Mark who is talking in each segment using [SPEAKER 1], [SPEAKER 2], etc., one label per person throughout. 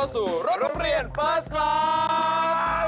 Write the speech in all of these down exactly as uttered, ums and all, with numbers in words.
[SPEAKER 1] สู่รถโรงเรียน First Class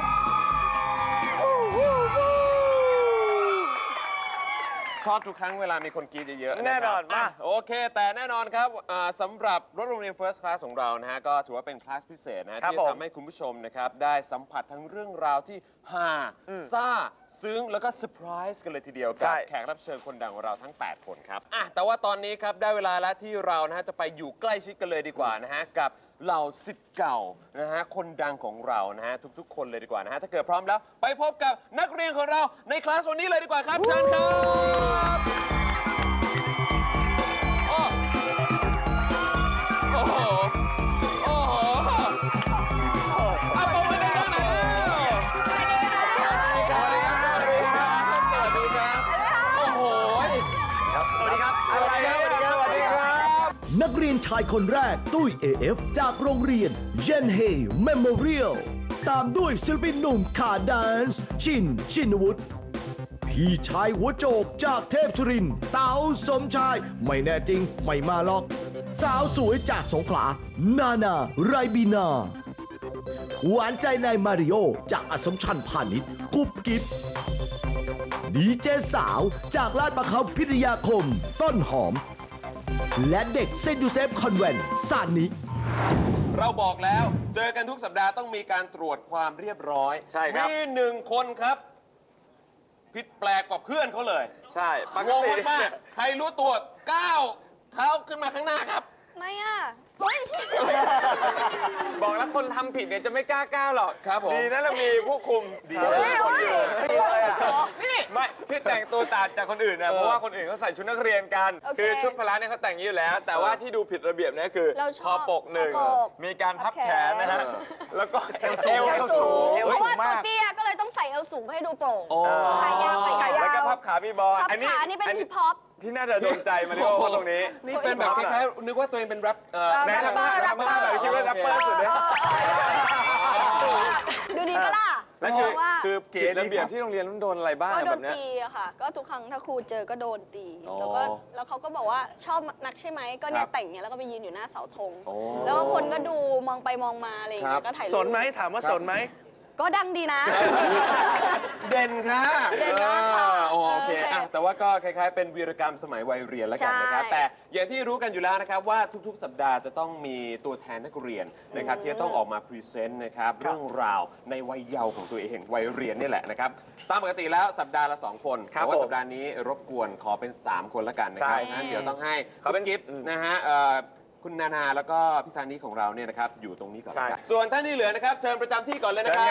[SPEAKER 1] ชอบทุกครั้งเวลามีคนกรี๊ดเยอะๆ
[SPEAKER 2] แน่นอนมา
[SPEAKER 1] โอเคแต่แน่นอนครับสำหรับรถโรงเรียน First Class ของเรานะฮะก็ถือว่าเป็นคลาสพิเศษนะที่จะทำให้คุณผู้ชมนะครับได้สัมผัสทั้งเรื่องราวที่ฮาซ่าซึ้งแล้วก็เซอร์ไพรส์กันเลยทีเดียวกับแขกรับเชิญคนดังของเราทั้งแปดคนครับอ่ะแต่ว่าตอนนี้ครับได้เวลาแล้วที่เรานะฮะจะไปอยู่ใกล้ชิดกันเลยดีกว่านะฮะกับเหล่าศิษย์เก่านะฮะคนดังของเรานะฮะทุกๆคนเลยดีกว่านะฮะถ้าเกิดพร้อมแล้วไปพบกับนักเรียนของเราในคลาสวันนี้เลยดีกว่าครับเชิญครับโอ้โหโอ้โหเอาผมมาได้ตรงไหนสวัสดีครับสวัสดีครับสวัสดีครับโอ้โหสวัสดีครับสวัสดีครับสวัสดีครับสวัสดีครับ
[SPEAKER 3] นักเรียนชายคนแรกตุ้ย เอ เอฟ จากโรงเรียนเจนเฮย์เมโมเรียลตามด้วยศิลปินหนุ่มขาแดนซ์ชินชินวุฒิพี่ชายหัวโจกจากเทพธุรินทร์เต๋าสมชายไม่แน่จริงไม่มาหรอกสาวสวยจากสงขลานานาไรบีนาหวานใจนายมาริโอจากอสมชัญพาณิชย์กุ๊บกิ๊บดีเจสาวจากลาดประเขาพิทยาคมต้นหอมและเด็กเซนต์ยูเซฟคอนแวนต์ซานิ
[SPEAKER 1] เราบอกแล้วเจอกันทุกสัปดาห์ต้องมีการตรวจความเรียบร้อย
[SPEAKER 2] ใช่ครับ
[SPEAKER 1] มีหนึ่งคนครับผิดแปลกกว่าเพื่อนเขาเลย
[SPEAKER 2] ใช่
[SPEAKER 1] งงมากๆใครรู้ตัวก้าวเท้าขึ้นมาข้างหน้าครับ
[SPEAKER 4] ไม่อ่ะ
[SPEAKER 2] บอกแล้วคนทำผิดเนี่ยจะไม่กล้าก้าวหรอก
[SPEAKER 1] ครับผม
[SPEAKER 2] ดีนะเรามีผู้คุมดีคนอยู่นี่ไม่ที่แต่งตัวต่างจากคนอื่นนะเพราะว่าคนอื่นเขาใส่ชุดนักเรียนกันคือชุดพละเนี่ยเขาแต่งอย่างนี้อยู่แล้วแต่ว่าที่ดูผิดระเบียบเนี่ยคือคอปกหนึ่งมีการพับแขนนะฮะแล้วก็เอวสูง
[SPEAKER 4] เพราะว่าตัวเตี้ยก็เลยต้องใส่เอวสูงให้ดูโปร่งขายาวไปขายาว
[SPEAKER 2] แล้วก็พับขามีบอล
[SPEAKER 4] อันนี้อันนี้เป็นฮิปฮอป
[SPEAKER 2] ที่น่าจะโดนใจมาริโอเขาตรงนี้
[SPEAKER 1] นี่เป็นแบบคล้ายๆนึกว่าตัวเองเป็นแรป
[SPEAKER 4] แรปเปอร์แรปเปอร์
[SPEAKER 2] คิดว่าแรปเปอร์สุดเนี่ย
[SPEAKER 4] ดูดีก็ล่ะ
[SPEAKER 2] แล้วคือคือเกณฑ์ระเบียบที่โรงเรียนต้องโดนอะไรบ้าง
[SPEAKER 4] ก็โด
[SPEAKER 2] แบบ
[SPEAKER 4] นตีอะค่ะก็ทุกครั้งถ้าครูเจอก็โดนตีแล้วก็แล้วเขาก็บอกว่าชอบนักใช่ไหมก็เนี่ยแต่งเนี่ยแล้วก็ไปยืนอยู่หน้าเสาธงแล้วก็คนก็ดูมองไปมองมาอะไรอย่างเงี้ยก็ถ่ายรูป
[SPEAKER 5] สนไหมถามว่าสนไหม
[SPEAKER 4] ก็ดังดีนะ
[SPEAKER 1] เด่นค่ะ
[SPEAKER 4] เด่นมากค่ะ
[SPEAKER 1] โอเคแต่ว่าก็คล้ายๆเป็นวีรกรรมสมัยวัยเรียนแล้วกันนะครับแต่อย่างที่รู้กันอยู่แล้วนะครับว่าทุกๆสัปดาห์จะต้องมีตัวแทนนักเรียนนะครับที่จะต้องออกมาพรีเซนต์นะครับเรื่องราวในวัยเยาว์ของตัวเองวัยเรียนนี่แหละนะครับตามปกติแล้วสัปดาห์ละสองคนแต่ว่าสัปดาห์นี้รบกวนขอเป็นสามคนละกันนะครับงั้นเดี๋ยวต้องให้คุณกิฟต์นะฮะคุณนานาแล้วก็พี่ซานิของเราเนี่ยนะครับอยู่ตรงนี้ก่อนส่วนท่านที่เหลือนะครับเชิญประจำที่ก่อนเลยนะครับ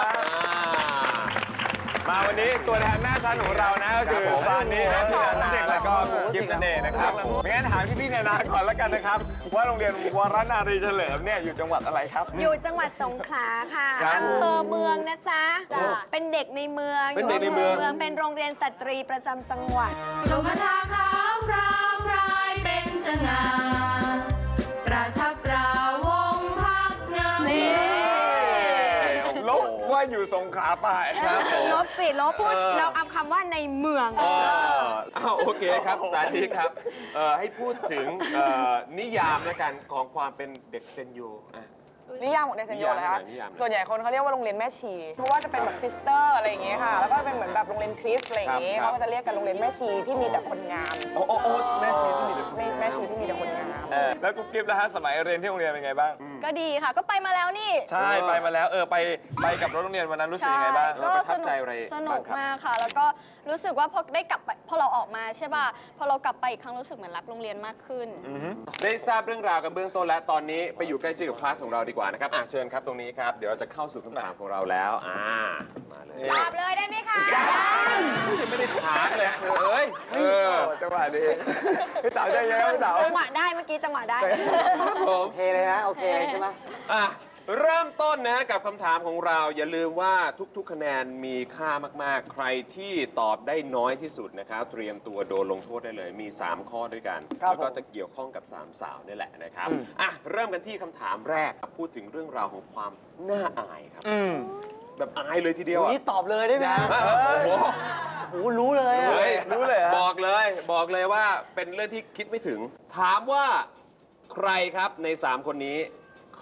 [SPEAKER 2] มาวันนี้ตัวแทนหน้าชั้นของเรานะก็คือซานิและพี่นานาแล้วก็กิฟต์นั่นเองนะครับงั้นถามพี่พี่นานาก่อนแล้วกันนะครับว่าโรงเรียนวรนารีเฉลิมเนี่ยอยู่จังหวัดอะไรครับ
[SPEAKER 4] อยู่จังหวัดสงขลาค่ะอำเภอเมืองนะจ๊ะเป็นเด็กในเมือง
[SPEAKER 1] เป็นเด็กในเมือง
[SPEAKER 4] เป็นโรงเรียนสตรีประจำจังหวัด
[SPEAKER 6] ชมทาขาวรามรายเป็นสง่าประทับราวงพักงาม
[SPEAKER 2] ลบว่าอยู่สงขลาไป
[SPEAKER 4] ลบสิลบพูดเราเอาคำว่าในเมือง
[SPEAKER 1] โอเคครับสาธิตครับให้พูดถึงนิยามแล้วกันของความเป็นเด็กเซนยู
[SPEAKER 7] นิยามของเด็กเซนโยเลยคะส่วนใหญ่คนเขาเรียกว่าโรงเรียนแม่ชีเพราะว่าจะเป็นแบบซิสเตอร์อะไรอย่างเงี้ยค่ะแล้วก็เป็นเหมือนแบบโรงเรียนคริสต์อะไรอย่างเงี้ยเขาก็จะเรียกกันโรงเรียนแม่ชีที่มีแต่คนงาม
[SPEAKER 1] โอ้โอ้แม่ชีที่มีแต่
[SPEAKER 7] แม่ชีที่มีแต่คนงาม
[SPEAKER 2] แล้วกุ๊บกิ๊บนะฮะสมัยเรียนที่โรงเรียนเป็นไงบ้าง
[SPEAKER 4] ก็ดีค่ะก็ไปมาแล้วนี่
[SPEAKER 2] ใช่ไปมาแล้วเออไปไปกับรถโรงเรียนวันนั้นรู้สึกยังไงบ้าง
[SPEAKER 4] ก็สนุกสนุกมากค่ะแล้วก็รู้สึกว่าพอได้กลับไปพอเราออกมาใช่ป่ะพอเรากลับไปอีกครั้งรู้สึกเหมือนรักโรงเรียนมากขึ้น
[SPEAKER 1] ได้ทราบเรื่องราวกันเบื้องต้นและตอนนี้ไปอยู่ใกล้ชิดกับคลาสของเราดีกว่านะครับอ่ะเชิญครับตรงนี้ครับเดี๋ยวเราจะเข้าสู่คำถามของเราแล้วอ่ามาเลย
[SPEAKER 4] ตอบเลยได้ไหมคะ
[SPEAKER 1] ยังไม่ได้ถามเลยเอ้ยเออ
[SPEAKER 2] จังหวะดีพี่เต๋าใจเย็นพี่เต๋า
[SPEAKER 4] จังหวะได้เมื่อกี้จังหวะได้
[SPEAKER 1] ครับผม
[SPEAKER 5] โอเคเลยนะโอเคใช่ไหม
[SPEAKER 1] อ่ะเริ่มต้นนะกับคำถามของเราอย่าลืมว่าทุกๆคะแนนมีค่ามากๆใครที่ตอบได้น้อยที่สุดนะครับเตรียมตัวโดนลงโทษได้เลยมีสามข้อด้วยกันแล้วก็จะเกี่ยวข้องกับสามสาวนี่แหละนะครับอ่ะเริ่มกันที่คำถามแรกพูดถึงเรื่องราวของความน่าอายครับแบบอายเลยทีเดียว
[SPEAKER 5] นี่ตอบเลยได้ไหม
[SPEAKER 1] โอ้
[SPEAKER 5] โหรู้เลย
[SPEAKER 1] รู้เลยบอกเลยบอกเลยว่าเป็นเรื่องที่คิดไม่ถึงถามว่าใครครับในสามคนนี้เค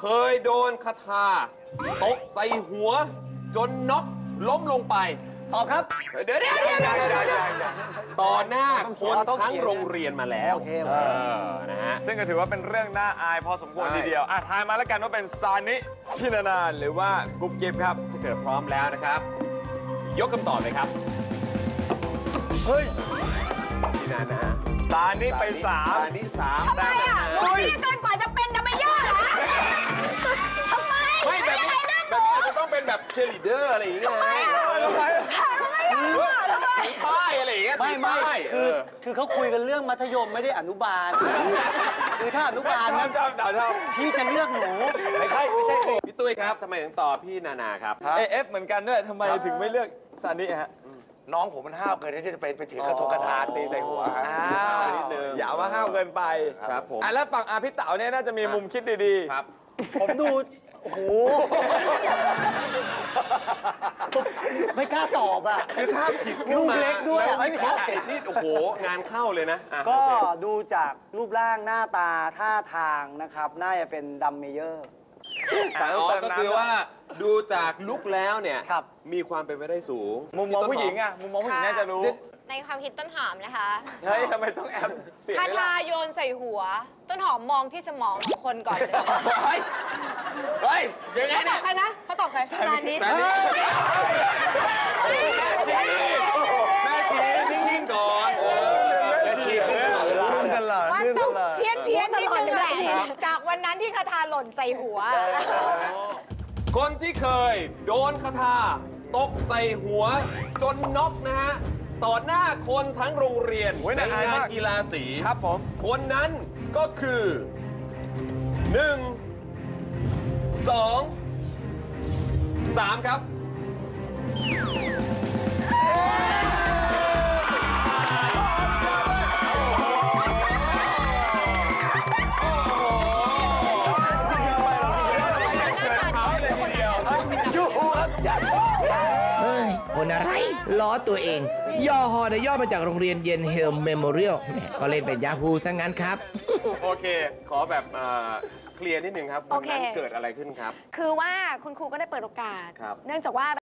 [SPEAKER 1] เคยโดนคาถาตกใส่หัว จนน็อกล้มลงไป
[SPEAKER 5] ตอบครับ
[SPEAKER 1] เดี๋ยวเดี๋ยวเดี๋ยวเดี๋ยวเดี๋ยวเดี๋ยวต่อหน้าคน
[SPEAKER 5] ต้องเขียน
[SPEAKER 1] ทั้งโรงเรียนมาแล้ว
[SPEAKER 5] โอเค
[SPEAKER 1] เออนะฮะ
[SPEAKER 2] ซึ่งก็ถือว่าเป็นเรื่องน่าอายพอสมควร
[SPEAKER 1] ใช่
[SPEAKER 2] ทีเดียวอ่ะทายมาแล้วกันว่าเป็นซานิชินานานหรือว่ากุ๊บกิ๊บครับ
[SPEAKER 1] ถ้าเกิดพร้อมแล้วนะครับ ยกคำตอบเลยครับ
[SPEAKER 2] เฮ้ย
[SPEAKER 1] พี่นานะ
[SPEAKER 2] ซานิไปสาม
[SPEAKER 1] อันนี้สาม
[SPEAKER 4] ทำไมอ่ะหนูนี่จนกว่าจะเป็นดัมเมเยอร์เหรอทำไม
[SPEAKER 1] ไม่แบบนี้แบบนี้อาจจะต้องเป็นแบบเชลิเดอร์อะไรอย่างเงี้ย
[SPEAKER 4] ทำไมอ่ะทำไมอ่ะทำไม
[SPEAKER 1] ถือป้ายอะไรอย่างเงี้ย
[SPEAKER 5] ไม่ไม่
[SPEAKER 1] ถืป้าย
[SPEAKER 5] คือ
[SPEAKER 1] เ
[SPEAKER 5] คือเขาคุยกันเรื่องมัธยมไม่ได้อนุบาล คือถ้าอนุบาล
[SPEAKER 2] ชอ
[SPEAKER 5] นะ
[SPEAKER 2] บชอบชอบชอบ
[SPEAKER 5] พี่จะเลือกหนู ไม่ใช่ไม่ใช่คือ
[SPEAKER 1] พี่ตุ้ยครับทำไมถึงตอบพี่นานาครับ
[SPEAKER 2] เอเอฟเหมือนกันด้วยทำไมถึงไม่เลือกซานิฮะ
[SPEAKER 8] น้องผมมันห้าวเกินที่จะไปไปถือกระทงกระทาตีใส่หัวฮะ
[SPEAKER 2] อ้าว
[SPEAKER 1] นิดนึง
[SPEAKER 2] อย่าว่าห้าวเกินไป
[SPEAKER 1] ครับผม
[SPEAKER 2] อ่ะแล้วฝั่งอาพี่เต๋าเนี่ยน่าจะมีมุมคิดดีๆ
[SPEAKER 1] ครับ
[SPEAKER 5] ผมดู โอ้โห ไม่กล้าตอบอ่ะ
[SPEAKER 1] คือถ้าผิด
[SPEAKER 5] ลูกเล็กด้วยอะ
[SPEAKER 1] ไม่
[SPEAKER 5] ไม่
[SPEAKER 1] ใช่
[SPEAKER 5] ใช่
[SPEAKER 1] นี่โอ้โหงานเข้าเลยนะอ่ะ
[SPEAKER 5] ก็
[SPEAKER 1] โอเค
[SPEAKER 5] ดูจากรูปร่างหน้าตาท่าทางนะครับ น่าจะเป็นดัมเมเยอร์
[SPEAKER 1] แต่อ๋อก็คือว่าดูจากลุกแล้วเนี่ย
[SPEAKER 5] ครับ
[SPEAKER 1] มีความเป็นไปได้สูง
[SPEAKER 2] มุมมองผู้หญิงอ่ะ มุมมองผู้หญิงน่าจะรู้
[SPEAKER 9] ในความคิดต้นหอมนะคะ
[SPEAKER 2] เฮ้ยทำไมต้องแอบเสียง
[SPEAKER 9] คา
[SPEAKER 2] ด้วย
[SPEAKER 9] ทา
[SPEAKER 2] ล่ะ
[SPEAKER 9] โยนใส่หัว ต้นหอมมองที่สมองของคนก่อนเลย
[SPEAKER 1] เฮ้ย เฮ้ยยังไง
[SPEAKER 7] เขาต
[SPEAKER 1] เนี่
[SPEAKER 7] อย บใครนะเขาตอบใคร
[SPEAKER 4] ตอนนี้
[SPEAKER 1] แต่นี่แม่ชีนิ่งๆก่อนเออ
[SPEAKER 2] แม่ชีขึ้นตลอด
[SPEAKER 7] มันต้องเพี้ยนเพี้ยนนิดนึงแหละ
[SPEAKER 9] จากวันนั้นที่คาทาหล่นใส่หัว
[SPEAKER 1] คนที่เคยโดนคาถาตกใส่หัว จนน็อกนะฮะ ต่อหน้าคนทั้งโรงเรียน
[SPEAKER 2] โอ้ย
[SPEAKER 1] ใน
[SPEAKER 2] น่าอาย
[SPEAKER 1] งาน
[SPEAKER 2] มาก
[SPEAKER 1] กีฬาสี
[SPEAKER 2] ครับผม
[SPEAKER 1] คนนั้นก็คือหนึ่งสองสามครับ
[SPEAKER 10] เฮ้ย คนอะไร ล้อตัวเอง ย่อฮอนะย่อมาจากโรงเรียนเย็นเฮลเมโมเรียลแหมก็เล่นเป็นยาฮูซะงั้นครับ
[SPEAKER 1] โอเค ขอแบบเอ่อเคลียร์นิดนึงครับวันนั้น
[SPEAKER 4] โอเค
[SPEAKER 1] เกิดอะไรขึ้นครับ
[SPEAKER 4] คือว่าคุณครูก็ได้เปิดโอกาส
[SPEAKER 1] ครับ
[SPEAKER 4] เนื่องจากว่า